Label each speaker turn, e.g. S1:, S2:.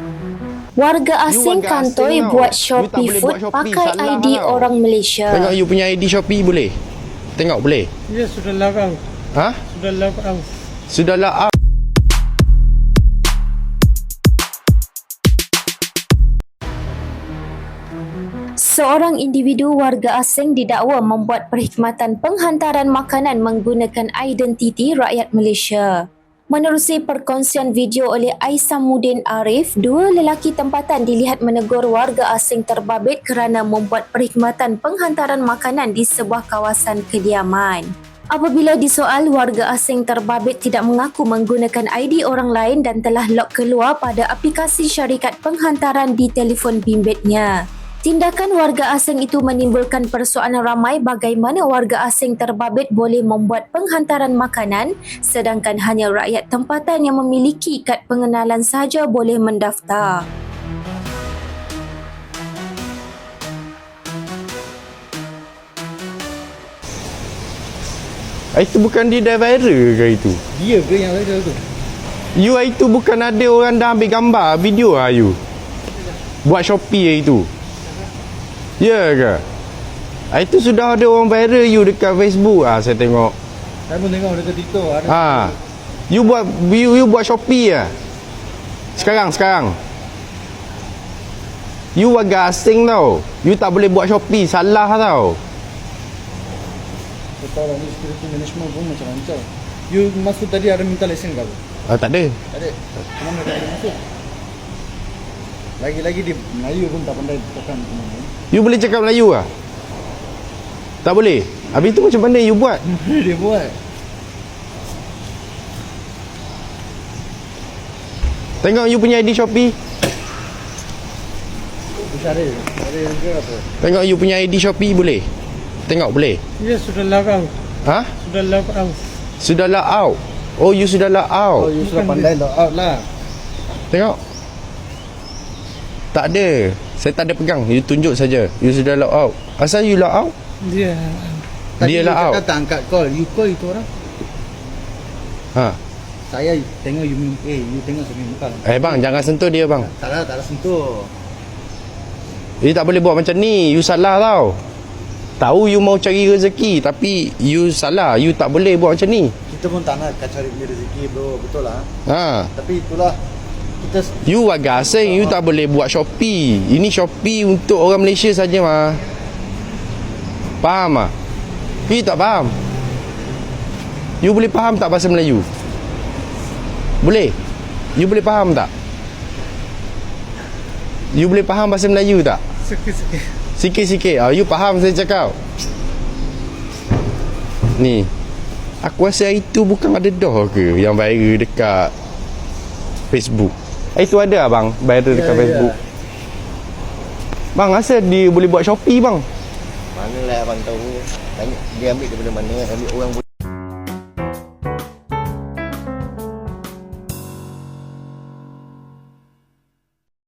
S1: Warga asing kantoi buat Shopee Food pakai ID orang Malaysia.
S2: Tengok you punya ID Shopee boleh? Tengok boleh?
S3: Ya, sudah login.
S2: Ha?
S3: Sudah login.
S2: Sudahlah out.
S1: Seorang individu warga asing didakwa membuat perkhidmatan penghantaran makanan menggunakan identiti rakyat Malaysia. Menerusi perkongsian video oleh Aisamuddin Arif, dua lelaki tempatan dilihat menegur warga asing terbabit kerana membuat perkhidmatan penghantaran makanan di sebuah kawasan kediaman. Apabila disoal, warga asing terbabit tidak mengaku menggunakan ID orang lain dan telah log keluar pada aplikasi syarikat penghantaran di telefon bimbitnya. Tindakan warga asing itu menimbulkan persoalan ramai bagaimana warga asing terbabit boleh membuat penghantaran makanan sedangkan hanya rakyat tempatan yang memiliki kad pengenalan sahaja boleh mendaftar.
S2: Itu bukan dia dah viral ke itu?
S3: Dia ke yang viral tu?
S2: You itu bukan ada orang dah ambil gambar video lah you? Buat Shopee itu. Ya ke? Itu sudah ada orang viral you dekat Facebook saya tengok.
S3: Saya pun tengok dekat TikTok ada.
S2: You buat Shopee ah. Sekarang. You warga asing tau. You tak boleh buat Shopee, salah tau.
S3: Kau tahu ni security management pun macam-macam. You masuk tadi ada minta lesen ke?
S2: Tak ada.
S3: Tak ada. Kenapa tak ada masuk? Lagi-lagi di Melayu pun tak pandai tekan.
S2: You boleh cakap Melayu ah? Tak boleh? Habis tu macam mana you buat?
S3: Dia buat.
S2: Tengok you punya ID Shopee.
S3: Ada juga apa?
S2: Tengok you punya ID Shopee boleh? Tengok boleh?
S3: Ya, sudah login.
S2: Ha?
S3: Sudah login.
S2: Sudahlah out. Oh, you sudahlah out.
S3: Oh, you sudah pandai log out lah.
S2: Tengok. Tak ada. Saya tak ada pegang. You tunjuk saja. You sudah log out. Asal you log out?
S3: Dia.
S2: Dia log out.
S3: Tak angkat call. You call itu orang. Saya tengok you tengok saya muka.
S2: Bang, jangan sentuh dia bang.
S3: Tak ada sentuh.
S2: You tak boleh buat macam ni. You salah tau. Tahu you mau cari rezeki tapi you salah. You tak boleh buat macam ni.
S3: Kita pun tak nak cari rezeki bro. Betul lah. Tapi itulah kita.
S2: You warga asing, you tak boleh buat Shopee. Ini Shopee untuk orang Malaysia saja mah. Faham ah? You tak faham? You boleh faham tak bahasa Melayu? Boleh? You boleh faham tak? You boleh faham bahasa Melayu tak?
S3: Sikit-sikit.
S2: Sikit-sikit. You faham saya cakap? Ni. Aku rasa itu bukan ada dah ke yang viral dekat Facebook. Itu ada abang viral dekat Facebook. Bang, asal dia boleh buat Shopee bang?
S4: Manalah abang tahu. Tanya dia ambil daripada mana, ambil orang